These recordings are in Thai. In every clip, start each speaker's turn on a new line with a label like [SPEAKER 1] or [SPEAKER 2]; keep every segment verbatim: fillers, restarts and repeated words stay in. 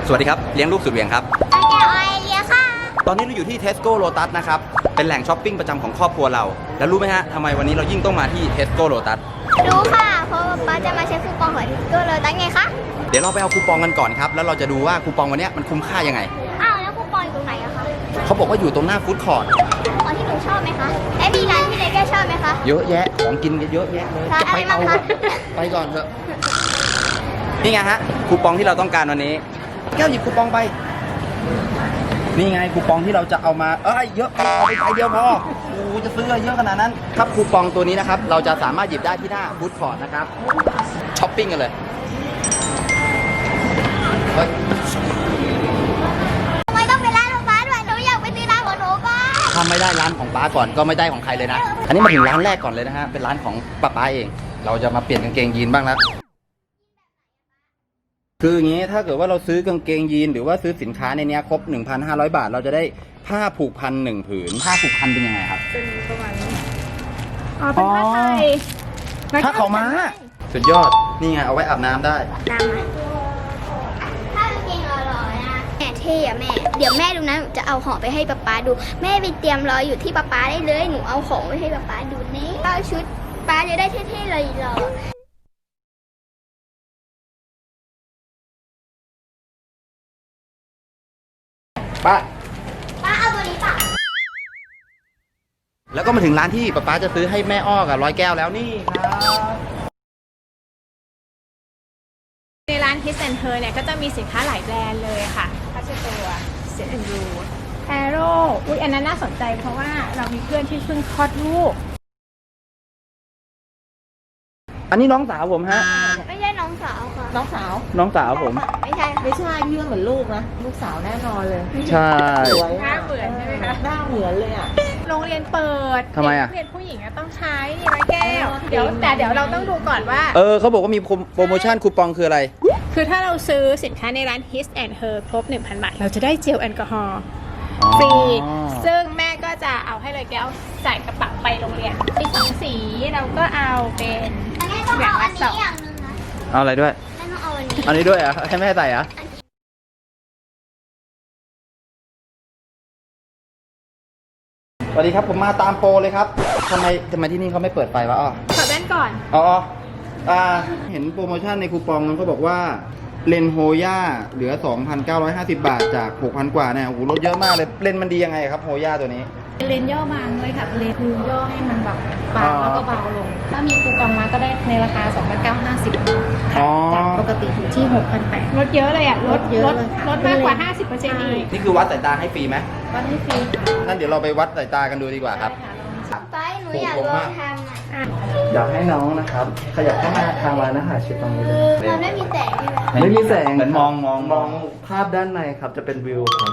[SPEAKER 1] สวัสดีครับเลี้ยงลูกสุดเหวี่ยงครับ
[SPEAKER 2] แก้วไอเลียค่ะ
[SPEAKER 1] ตอนนี้เราอยู่ที่ Tesco Lotus นะครับเป็นแหล่งช้อปปิ้งประจำของครอบครัวเราแล้วรู้ไหมฮะทำไมวันนี้เรายิ่งต้องมาที่ Tesco Lotus
[SPEAKER 2] รู้ค่ะเพราะป๊าจะมาใช้คูปองของ Tesco Lotus ไงคะ
[SPEAKER 1] เดี๋ยวเราไปเอาคูปองกันก่อนครับแล้วเราจะดูว่าคูปองวันนี้มันคุ้มค่ายังไง
[SPEAKER 2] อ้าวแล้วคูปองอยู่ตรงไหนอะคะ
[SPEAKER 1] เขาบอกว่าอยู่ตรงหน้าฟู้ดคอร์ท
[SPEAKER 2] อ๋อที่หนูชอบไหมคะและมีร้านที่เลแก้วชอบไหมคะ
[SPEAKER 1] เยอะแยะของกินเยอะแยะเลย
[SPEAKER 2] ร้านอะไรบ้างคะ
[SPEAKER 1] ไปก่อนเถอะนี่ไงฮะคูปองที่เราต้องการวันนี้แก้วหยิบคูปองไปนี่ไงคูปองที่เราจะเอามาเอ้ยเยอะไปเอาไปใบเดียวพอโอ้จะซื้อเยอะขนาดนั้นครับคูปองตัวนี้นะครับเราจะสามารถหยิบได้ที่หน้าฟู้ดคอร์ทนะครับช้อปปิ้งกันเลยเฮ้ย
[SPEAKER 2] ทำไมต้องเป็นร้านของป๊าด้วยหนูอยากไปซื้อร้านของหนูก่อน
[SPEAKER 1] ถ้าไม่ได้ร้านของป๊าก่อนก็ไม่ได้ของใครเลยนะอันนี้มาถึงร้านแรกก่อนเลยนะฮะเป็นร้านของป๊าป๊าเองเราจะมาเปลี่ยนกางเกงยีนบ้างแล้วคืออย่างนี้ถ้าเกิดว่าเราซื้อกางเกงยีนหรือว่าซื้อสินค้าในนี้ครบ หนึ่งพันห้าร้อย บาทเราจะได้ผ้าผูกพันหนึ่งผืนผ้าผูกพันเป็นยังไงครับ
[SPEAKER 3] เป็นประมาณนี้อ๋อเป็นผ้าไทย
[SPEAKER 1] ผ้าขาวม้าสุดยอดนี่ไงเอาไว้อาบน้ำได้
[SPEAKER 2] น้ำไหมถ้ากางเกงหล่อๆนะแม่เท่อะแม่เดี๋ยวแม่ดูนะหนูจะเอาของไปให้ป๊าป๊าดูแม่ไปเตรียมรออยู่ที่ป๊าป๊าได้เลยหนูเอาของไปให้ป๊าป๊าดูนี่เอาชุดป๊าจะได้เท่ๆเลยรอ
[SPEAKER 1] ป้า
[SPEAKER 2] ป้าเอาตัวนี้ป่ะ
[SPEAKER 1] แล้วก็มาถึงร้านที่ป๊าป๊าจะซื้อให้แม่อ้อกับร้อยแก้วแล้วนี่ครับ
[SPEAKER 3] ในร้าน Kiss and Her เนี่ยก็จะมีสินค้าหลายแบรนด์เลยค่ะผ้าเช็ดตัวเซ็ตแอนด์รูแอโร่อุ๊ยอันนั้นน่าสนใจเพราะว่าเรามีเพื่อนที่เพิ่งคลอดลูก
[SPEAKER 1] อันนี้น้องสาวผมฮะ
[SPEAKER 2] ไม่ใช่น้องสาวค่ะ
[SPEAKER 3] น้องสาว
[SPEAKER 1] น้องสาวผม
[SPEAKER 2] ไม่ใช่
[SPEAKER 3] ไม่ใช่พี่เหมือนลูกนะลูกสาวแน่นอนเลย
[SPEAKER 1] ใช่
[SPEAKER 3] หน้าเหมือนใช่ไหมคะหน้าเหมือนเลยอ่ะโรงเรียนเปิด
[SPEAKER 1] ทำไมอ่ะ
[SPEAKER 3] เรียนผู้หญิงต้องใช้นี่ร้อยแก้วเดี๋ยวแต่เดี๋ยวเราต้องดูก่อนว่า
[SPEAKER 1] เออเขาบอกว่ามีโปรโมชั่นคูปองคืออะไร
[SPEAKER 3] คือถ้าเราซื้อสินค้าในร้าน Kiss and Her ครบ หนึ่งพัน บาทเราจะได้เจลแอลกอฮอล์ฟรีซึ่งแม่ก็จะเอาให้เลยแก้วใส่กระเป๋าไปโรงเรียนมีสองสีเราก็เอาเป็น
[SPEAKER 2] อย่างละสอง
[SPEAKER 1] เอาอะไรด้วยอันนี้ด้วยอ่ะให้แม่ใส่อ่ะสวัสดีครับผมมาตามโปรเลยครับทำไมทำไมที่นี่เขาไม่เปิดไฟวะอ๋อ
[SPEAKER 3] ขอแว่นก่อน
[SPEAKER 1] อ๋ออ่าเห็นโปรโมชั่นในคูปองมันเขาบอกว่าเลนโฮย่าเหลือ สองพันเก้าร้อยห้าสิบ บาทจาก หกพัน กว่าเนี่ยโอ้โหลดเยอะมากเลยเลนมันดียังไงครับโฮย่าตัวนี้
[SPEAKER 3] เลนย่อบางเลยค่ะเลนคือย่อให้มันแบบบางแล้วก็เบาลงถ้ามีคูปองมาก็ได้ในราคา สองพันเก้าร้อยห้าสิบ จากปกติอยู่ที่ หกพันแปดร้อย ลดเยอะเลยอ่ะลดเยอะเลยลดมากกว่า ห้าสิบเปอร์เซ็นต์ อีก
[SPEAKER 1] นี่คือวัดสายตาให้ฟรีไหม
[SPEAKER 3] วัดให้ฟรี
[SPEAKER 1] นั่นเดี๋ยวเราไปวัดสายตากันดูดีกว่าครับ
[SPEAKER 2] ไปหนูอยากลองทำอ่ะ
[SPEAKER 1] อยากให้น้องนะครับขยับเข้ามาทางร้านอาหารชิดตรงนี้เลย
[SPEAKER 2] มันไม่มีแสงใช่ไหม
[SPEAKER 1] ไม่มีแสงเหมือนมองมองมองภาพด้านในครับจะเป็นวิวครับ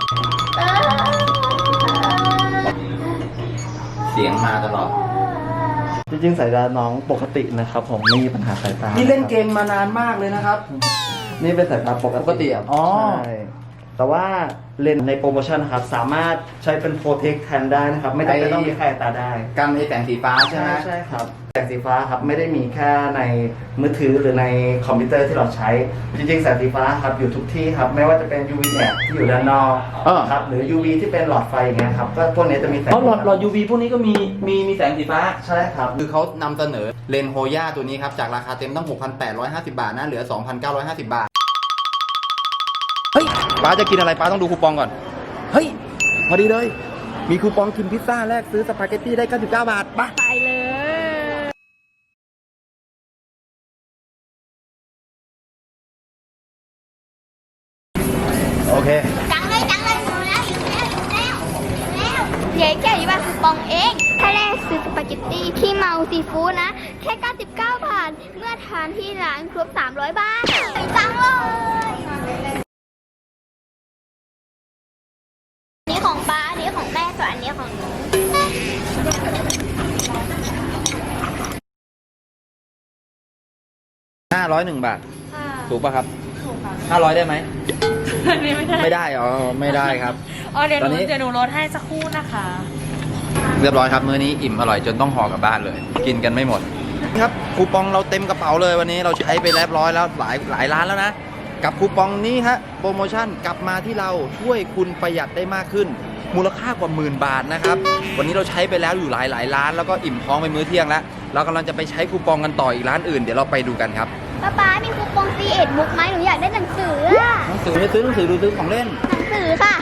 [SPEAKER 1] เสียงมาตลอด
[SPEAKER 4] จริงๆสายตาน้องปกตินะครับผมไม่มีปัญหาสายตา
[SPEAKER 1] นี่เล่นเกมมานานมากเลยนะครับ
[SPEAKER 4] นี่เป็นสายตาปกติ
[SPEAKER 1] อ๋อ
[SPEAKER 4] ใช่แต่ว่าเลนส์ในโปรโมชั่นนะครับสามารถใช้เป็นโปรเทคแทนได้นะครับไม่จำเป็นต้องมีแค่ตาได้
[SPEAKER 1] กันไอแสงสีฟ้าใช่ไหม
[SPEAKER 4] ใช่ครับแสงสีฟ้าครับไม่ได้มีแค่ในมือถือหรือในคอมพิวเตอร์ที่เราใช้จริงๆแสงสีฟ้าครับอยู่ทุกที่ครับไม่ว่าจะเป็น ยู วี แอดที่อยู่ด้านนอกครับหรือ ยู วี ที่เป็นหลอดไฟอย่างเงี้ยครับก็พวกนี้จะมีแสง
[SPEAKER 1] หลอดหลอด ยู วี พวกนี้ก็มีมีมีแสงสีฟ้า
[SPEAKER 4] ใช่ครับ
[SPEAKER 1] คือเขานำเสนอเลนส์โฮย่าตัวนี้ครับจากราคาเต็มตั้ง หกพันแปดร้อยห้าสิบ บาทนะเหลือ สองพันเก้าร้อยห้าสิบ บาทเฮ้ยป้าจะกินอะไรป้าต้องดูคูปองก่อนเฮ้ยพอดีเลยมีคูปองกินพิซซ่าแลกซื้อสปาเกตตี้ได้เก้าสิบเก้าบาทป่ะ
[SPEAKER 3] ไปเลย
[SPEAKER 1] โอเค
[SPEAKER 2] จังเลยจังเลยหนูแล้วอยู่แล้วอยู่แล้วอยู่แล้วเดี๋ยวแก้วอยู่บ้านคูปองเองถ้าแรกซื้อสปาเกตตี้ที่เมาซีฟู้ดนะแค่เก้าสิบเก้าบาทเมื่อทานที่ร้านครบสามร้อยบาทจังเลยนี่ของป้าอันนี้ของแม่ส่วนอันนี้ของหนู
[SPEAKER 1] ห้าร้อยหนึ่งบาทถูกป่ะครับถูกค่ะห้าร้อยได้ไหม
[SPEAKER 3] ไม่ได้
[SPEAKER 1] ไม่ได้อ๋อไม่ได้ครับ
[SPEAKER 3] อ๋อเดี๋ยวหนูเดี๋ยวหนูลดให้สักครู่นะคะ
[SPEAKER 1] เรียบร้อยครับมื้อนี้อิ่มอร่อยจนต้องห่อกลับบ้านเลยกินกันไม่หมดครับคูปองเราเต็มกระเป๋าเลยวันนี้เราใช้ไปเรียบร้อยแล้วหลายหลายร้านแล้วนะกับคูปองนี้ฮะโปรโมชั่นกลับมาที่เราช่วยคุณประหยัดได้มากขึ้น มูลค่ากว่าหมื่นบาทนะครับวันนี้เราใช้ไปแล้วอยู่หลายหลายร้านแล้วก็อิ่มท้องไปมื้อเที่ยงแล้วเรากำลังจะไปใช้คูปองกันต่ออีกร้านอื่นเดี๋ยวเราไปดูกันครับ
[SPEAKER 2] ป๊าป๊ามีคูปอง ซี เอ็ด บุ๊กไหมหนูอยากได้หนังสืออะ
[SPEAKER 1] หนังสือไม่ซื้อหนังสือดูซื้อของเล่น
[SPEAKER 2] หนังสือค่ะ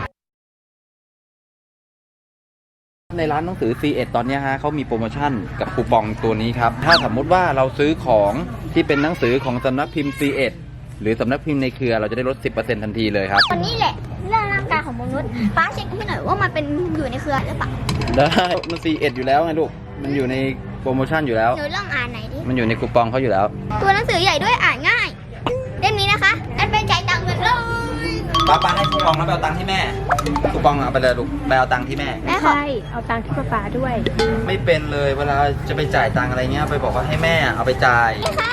[SPEAKER 1] ในร้านหนังสือ ซี เอ็ด ตอนนี้ฮะเขามีโปรโมชั่นกับคูปองตัวนี้ครับถ้าสมมุติว่าเราซื้อของที่เป็นหนังสือของสำนักพิมพ์ ซี เอ็ด หรือสำนักพิมพ์ในเครือเราจะได้ลด สิบเปอร์เซ็นต์ ทันทีเลยครับ
[SPEAKER 2] วันนี้แหละเรื่องร่างกายของมนุษย์ป้าเช็คให้หน่อยว่ามันเป็นอยู่ในเครือหรือเปล่า
[SPEAKER 1] ได้มัน ซี เอ็ด อยู่แล้วไงลูกมันอยู่ในโปรโมชั่นอยู่แล้ว
[SPEAKER 2] หนูลองอ่านไหนอยดิ
[SPEAKER 1] มันอยู่ในคูปองเขาอยู่แล้ว
[SPEAKER 2] ตัวหนังสือใหญ่ด้วยอ่านง่ายเล่มนี้นะคะนั่นเป็นจ่ายตังค์เงินเลย
[SPEAKER 1] ป้าป้าให้คูปองแล้วไปเอาตังค์ที่แม่คูปองเอาไปเลยลูกไปเอาตังค์ที่แม่
[SPEAKER 2] แม่ขอ
[SPEAKER 3] ใช่ เอาตังค์ที่ป๊าป๊าด้วย
[SPEAKER 1] ไม่เป็นเลยเวลาจะไปจ่ายตังค์อะไรเงี้ยไปบอกว่าให้แม่เอาไปจ่าย
[SPEAKER 2] ค่ะ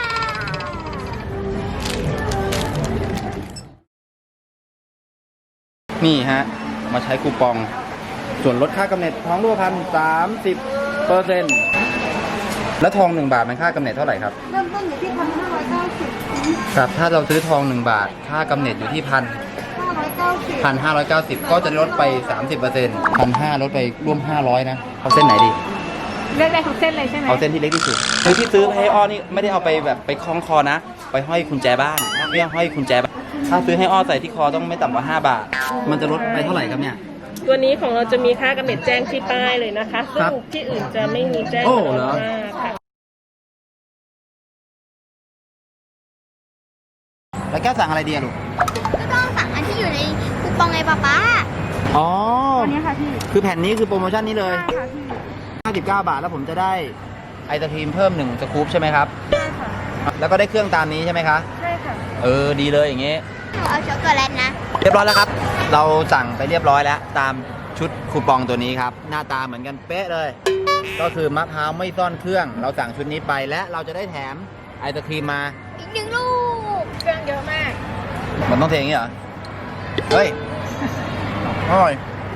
[SPEAKER 1] นี่ฮะมาใช้คูปองส่วนลดค่ากำเนิดทองรูปพรรณสามสิบเปอร์เซ็นต์แล้วทองหนึ่งบาทมันค่ากำเนิดเท่าไหร่ครับ
[SPEAKER 3] เริ่มต้นอยู่ที่พันห้าร้อยเก้าสิบ
[SPEAKER 1] ครับถ้าเราซื้อทองหนึ่งบาทค่ากำเนิดอยู่ที่พัน
[SPEAKER 3] ห้าร้อยเก้าสิบ
[SPEAKER 1] พันห้าร้อยเก้าสิบก็จะลดไปสามสิบเปอร์เซ็นต์พันห้าลดไปร่วมห้าร้อยนะเอาเส้นไหนดี
[SPEAKER 3] เลือกได้ทุกเส้นเลยใช่ไหม
[SPEAKER 1] เอาเส้นที่เล็กที่สุดคือที่ซื้อไปให้อ้อนี่ไม่ได้เอาไปแบบไปคล้องคอนะ ไปห้อยกุญแจบ้านไม่ต้องห้อยกุญแจบ้านถ้าซื้อให้อ้อใส่ที่คอต้องไม่ต่ำกว่าห้าบาท มันจะลดไปเท่าไหร่ครับเนี่ย
[SPEAKER 5] ตัวนี้ของเราจะมีค่ากำเนิดแจ้งที่ป้ายเลยนะคะ
[SPEAKER 1] ค
[SPEAKER 5] ซึ่
[SPEAKER 1] รับ
[SPEAKER 5] งที่อื่นจะไม่มีแจ้ง
[SPEAKER 1] โอ้
[SPEAKER 5] กำ
[SPEAKER 1] เห
[SPEAKER 5] ห
[SPEAKER 1] ร
[SPEAKER 5] น
[SPEAKER 1] อ
[SPEAKER 5] ดมากค่ะ
[SPEAKER 1] แล้วแก้วสั่งอะไรดีอะลูก
[SPEAKER 2] ก็ต้องสั่งอันที่อยู่ในคูปองไงป๊าป๊า
[SPEAKER 1] อ๋อ
[SPEAKER 3] ตัวนี้ค่ะพี่
[SPEAKER 1] คือแผ่นนี้คือโปรโมชั่นนี้เลย
[SPEAKER 3] ใช่ค่ะพี่
[SPEAKER 1] ห้าสิบเก้าบาทแล้วผมจะได้ไอศครีมเพิ่มหนึ่งสกู๊ปใช่ไหมครับ
[SPEAKER 3] ใช่ค่ะ
[SPEAKER 1] แล้วก็ได้เครื่องตามนี้ใช่ไหมคะ
[SPEAKER 3] ใช่ค่ะ
[SPEAKER 1] เออดีเลยอย่างงี้
[SPEAKER 2] หนูเอาช็อกโกแลตนะ
[SPEAKER 1] เรียบร้อยแล้วครับ เราสั่งไปเรียบร้อยแล้ว ตามชุดคูปองตัวนี้ครับ หน้าตาเหมือนกันเป๊ะเลย ก็คือมะพร้าวไม่ซ่อนเครื่อง เราสั่งชุดนี้ไปและเราจะได้แถมไอศครีมมา
[SPEAKER 2] อีกหนึ่งลูก
[SPEAKER 3] เครื่องเยอะมาก
[SPEAKER 1] มันต้องเทอย่างนี้เหรอ เฮ้ย อร่อย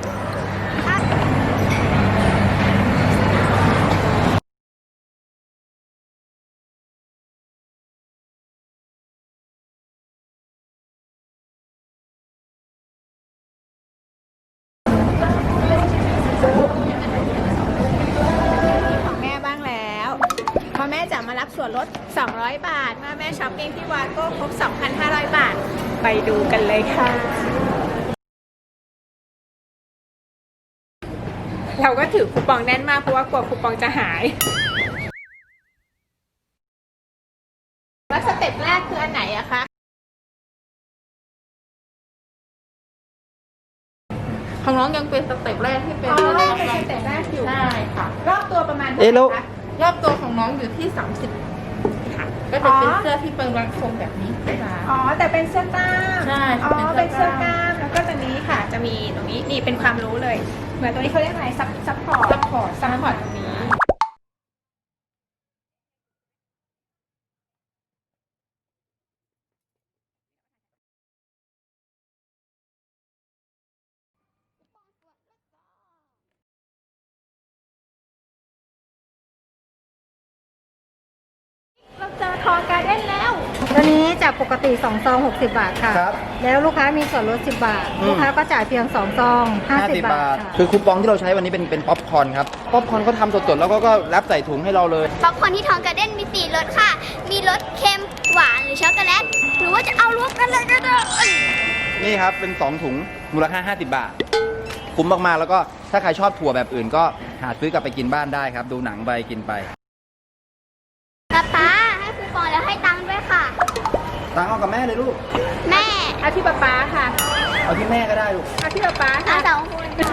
[SPEAKER 6] ของแม่บ้างแล้วพอแม่จะมารับส่วนลด สองร้อย บาท เมื่อแม่ช้อปปิ้งที่วาโก้ครบ สองพันห้าร้อย บาท ไปดูกันเลยค่ะ เราก็ถือคูปองแน่นมากเพราะว่ากลัวคูปองจะหาย แล้วสเต็ปแรกคืออันไหนอะคะ ของน้องยังเป็นสเต็ปแรกที่เป็น
[SPEAKER 3] อ๋อ
[SPEAKER 6] รถ
[SPEAKER 3] เป็น
[SPEAKER 6] กำลัง
[SPEAKER 3] สเต็ปแรกอยู่
[SPEAKER 6] ใช่ค่ะ รอบตัวประมาณ
[SPEAKER 1] เอ๊ะแล้ว
[SPEAKER 6] ท่าไหร่คะรอบตัวของน้องอยู่ที่ สามสิบ ค่ะ ก็จะเป็นเสื้อที่เป็นรังทรงแบบนี้ค่ะ
[SPEAKER 3] อ๋อ แต่เป็นเสื้อกล้าม
[SPEAKER 6] ใช่
[SPEAKER 3] อ๋อ
[SPEAKER 6] เป็
[SPEAKER 3] เป็น
[SPEAKER 6] นเสื้
[SPEAKER 3] เสื้อ
[SPEAKER 6] อก ก
[SPEAKER 3] ล้า
[SPEAKER 6] ล้าม ม
[SPEAKER 3] แล้วก็ตัวนี้ค่ะ จะมีตรงนี้ นี่เป็นความรู้เลย เหมือนตัวนี้เขาเรียกอะไร ซับซับพอร์ต
[SPEAKER 6] ซัพพอร์ตซัพพอร์ตตรงนี้
[SPEAKER 3] เราเจอทอการ์เด้นแล้วตัวนี้จากปกติสองซองหกสิบบาทค่ะ
[SPEAKER 1] ครับ
[SPEAKER 3] แล้วลูกค้ามีส่วนลดสิบบาท
[SPEAKER 1] อืม
[SPEAKER 3] ลูกค้าก็จ่ายเพียงสองซองห้าสิบบาทค่ะ
[SPEAKER 1] คือคูปองที่เราใช้วันนี้เป็นเป็นป๊อปคอร์นครับ ป๊อปคอร์นเขาทำสดๆแล้วก็ก็แรปใส่ถุงให้เราเลย
[SPEAKER 2] ป๊อปคอร์นที่ทองการ์เด้นมีสี่รสค่ะ มีรสเค็มหวานหรือช็อกโกแลต หรือว่าจะเอารวมกันเลยก็ได้
[SPEAKER 1] นี่ครับ เป็นสองถุงมูลค่าห้าสิบบาท คุ้มมากๆ แล้วก็ถ้าใครชอบถั่วแบบอื่นก็หาซื้อกลับไปกินบ้านได้ครับ ดูหนังไปกินไป
[SPEAKER 2] ป๊าป๊าให้คูปองแล้วให้ตังค์ด้วยค่ะ
[SPEAKER 1] ตังค์เอากับแม่เลยลูก
[SPEAKER 2] แม่
[SPEAKER 6] เอาที่ป๊าป๊าค่ะ
[SPEAKER 1] เอาที่แม่ก็ได้ลูก
[SPEAKER 6] เอาที่ป๊าป๊า
[SPEAKER 2] ทั้
[SPEAKER 6] ค่ะ
[SPEAKER 2] งสองคนค่ะ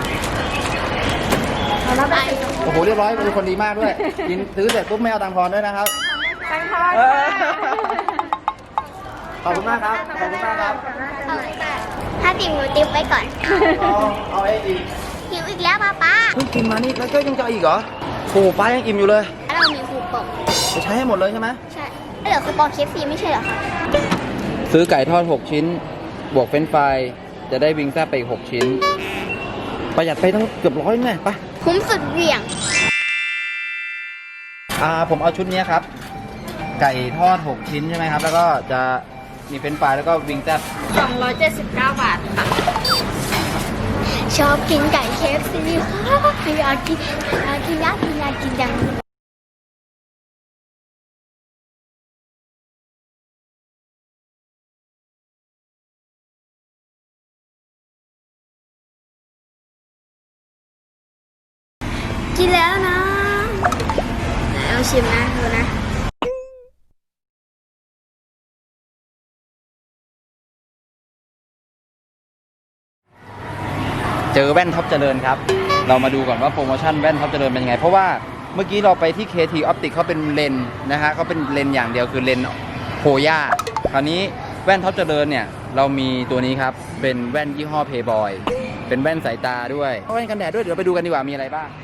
[SPEAKER 3] แล้วแบบ
[SPEAKER 1] โอ้โห เรียบร้อยเป็นคนดีมากด้วย กินซื้อเสร็จปุ๊บไม่เอาตังค์ทอนด้วยนะครับ
[SPEAKER 6] ตังทอน
[SPEAKER 1] เออ
[SPEAKER 6] ค่ะ
[SPEAKER 1] ขอบคุณมากครับ ขอบคุณมากครับ
[SPEAKER 2] เอาเลยค่ะถ้าติ่มหนูติ่มไว้ก่อน
[SPEAKER 1] เอาเอาไอ้อีก
[SPEAKER 2] หิวอีกแล้วป๊าป๊า
[SPEAKER 1] เพิ่งกินมานี่แล้วก็ยังจะเอาอีกเหรอโอ้โหป้ายังอิ่มอยู่เลย
[SPEAKER 2] เรามีคูปอง
[SPEAKER 1] จะใช้ให้หมดเลยใช่ไหม
[SPEAKER 2] ใช่เหลือคูปองเคฟซีไม่ใช่เหรอคะ
[SPEAKER 1] ซื้อไก่ทอดหกชิ้น บวกเฟรนช์ฟรายจะได้วิงแซ่บไปอีกหกชิ้น ประหยัดไปตั้งเกือบร้อยแน่ปะ
[SPEAKER 2] คุ้มสุดเหวี่ยง
[SPEAKER 1] อ่าผมเอาชุดนี้ครับ ไก่ทอดหกชิ้นใช่ไหมครับ แล้วก็จะมีเฟรนช์ฟรายแล้วก็วิงแซ่บ
[SPEAKER 2] สองร้อยเจ็ดสิบเก้าบาทค่ะ ชอบกินไก่เคฟซีค่ะอยากกินอยากกินอยากกินอยากกินจังกินแล้วนะไหนเอาชิมนะดูนะ
[SPEAKER 1] เจอแว่นท็อปเจริญครับ เรามาดูก่อนว่าโปรโมชั่นแว่นท็อปเจริญเป็นยังไง เพราะว่าเมื่อกี้เราไปที่ เค ที Optic เขาเป็นเลนส์นะฮะเขาเป็นเลนส์อย่างเดียวคือเลนส์โพย่าคราวนี้แว่นท็อปเจริญเนี่ยเรามีตัวนี้ครับเป็นแว่นยี่ห้อ Playboy เป็นแว่นสายตาด้วยแว่นกันแดดด้วยเดี๋ยวไปดูกันดีกว่ามีอะไรบ้าง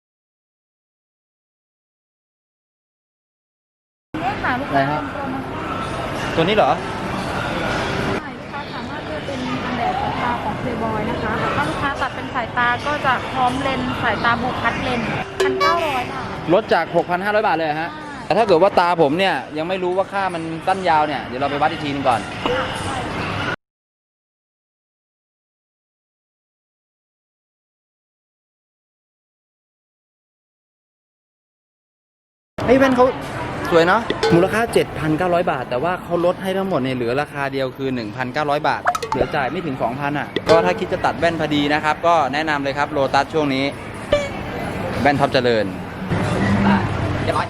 [SPEAKER 3] เนี่ยค่ะลูก
[SPEAKER 1] อะไร
[SPEAKER 3] ค้า
[SPEAKER 1] ครับ
[SPEAKER 3] โปรโมชั่น
[SPEAKER 1] ตัวนี้เหรอ
[SPEAKER 3] ใช่ลูกค้าสามารถเลือกเป็นกันแดดสายตาของ Playboy นะคะแต่ถ้าลูกค้าตัดเป็นสายตาก็จะพร้อมเลนส์สายตาบุคัดเลนส์พันเก้าร้อยบาท
[SPEAKER 1] ลดจาก หกพันห้าร้อย บาทเลยเหรอฮะแต่ถ้าเกิดว่าตาผมเนี่ยยังไม่รู้ว่าค่ามันสั้นยาวเนี่ยเดี๋ยวเราไปวัดอีกทีนึงก่อนไอ้แว่นเขาสวยเนาะมูลค่า เจ็ดพันเก้าร้อย บาท แต่ว่าเขาลดให้ทั้งหมดเนี่ยเหลือราคาเดียวคือ หนึ่งพันเก้าร้อย บาท เหลือจ่ายไม่ถึง สองพัน อ่ะก็ถ้าคิดจะตัดแว่นพอดีนะครับก็แนะนำเลยครับโลตัสช่วงนี้แว่นท็อปเจริญเรียบร้อย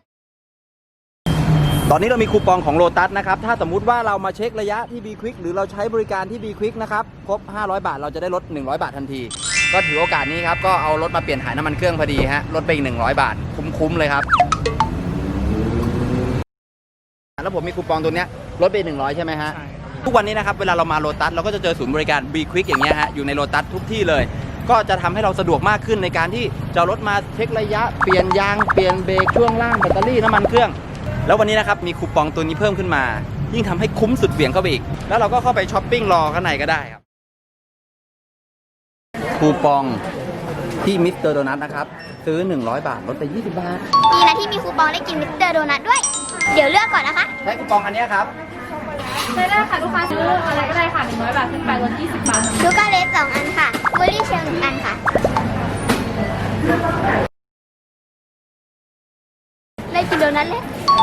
[SPEAKER 1] ตอนนี้เรามีคูปองของโลตัสนะครับถ้าสมมุติว่าเรามาเช็คระยะที่ B Quick หรือเราใช้บริการที่ B Quick นะครับครบห้าร้อยบาทเราจะได้ลดหนึ่งร้อยบาททันทีก็ถือโอกาสนี้ครับก็เอารถมาเปลี่ยนถ่ายน้ำมันเครื่องพอดีฮะลดไปอีกหนึ่งร้อยบาทคุ้มๆเลยครับแล้วผมมีคูปองตัวเนี้ยลดไปหนึ่งร้อยใช่ไหมฮะทุกวันนี้นะครับเวลาเรามาโลตัสเราก็จะเจอศูนย์บริการ B Quick อย่างเงี้ยฮะอยู่ในโลตัสทุกที่เลยก็จะทำให้เราสะดวกมากขึ้นในการที่จะรถมาเช็คระยะเปลี่ยนยางเปลี่ยนเบรกช่วงล่างแบตเตอรี่น้ำมันเครื่องแล้ววันนี้นะครับมีคูปองตัวนี้เพิ่มขึ้นมายิ่งทำให้คุ้มสุดเหวี่ยงเข้าไปอีกแล้วเราก็เข้าไปช้อปปิ้งรอข้างในก็ได้ครับคูปองที่มิสเตอร์โดนัทนะครับซื้อหนึ่งร้อยบาทลดไปยี่สิบบาท
[SPEAKER 2] ดีนะที่มีคูปองได้กินมิสเตอร์โดนัทด้วย เดี๋ยวเลือกก่อนนะคะ
[SPEAKER 1] ใช้คูปองอันนี้ครับ
[SPEAKER 3] ใช้ได้ค่ะลูกค้าซื้ออะไรก็ได้ค่ะหนึ่งร้อยบาทขึ้นไปลดยี่สิบบาท
[SPEAKER 2] ชูการ์เลสสองอันค่ะบูลลี่เชลหนึ่งอันค่ะ ได้กินโดนัทเลย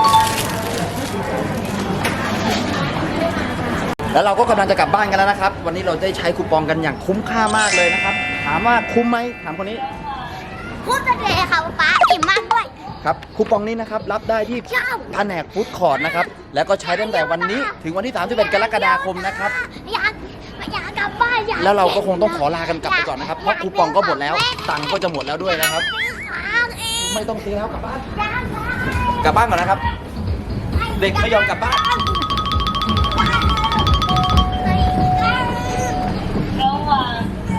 [SPEAKER 1] แล้วเราก็กำลังจะกลับบ้านกันแล้วนะครับวันนี้เราได้ใช้คูปองกันอย่างคุ้มค่ามากเลยนะครับถามว่าคุ้มไหมถามคนนี้
[SPEAKER 2] พูดจะเลยค่ะป๊าอิ่มมากด้วย
[SPEAKER 1] ครับคูปองนี้นะครับรับได้ที่
[SPEAKER 2] ชอบ
[SPEAKER 1] แผนกฟู้ดคอร์ทนะครับแล้วก็ใช้ตั้งแต่วันนี้ถึงวันที่สามสิบเอ็ดกรกฎาคมนะครับ
[SPEAKER 2] อยากอยากกลับบ้านอยาก
[SPEAKER 1] แล้วเราก็คงต้องขอลากันกลับไปก่อนนะครับเพราะคูปองก็หมดแล้วตังค์ก็จะหมดแล้วด้วยนะครับ
[SPEAKER 2] ค้างเอง
[SPEAKER 1] ไม่ต้องซื้อแล้วกลับบ้าน
[SPEAKER 2] อยากได้
[SPEAKER 1] กลับบ้านก่อนนะครับ เด็กไม่ยอมกลับบ้าน
[SPEAKER 2] อยาก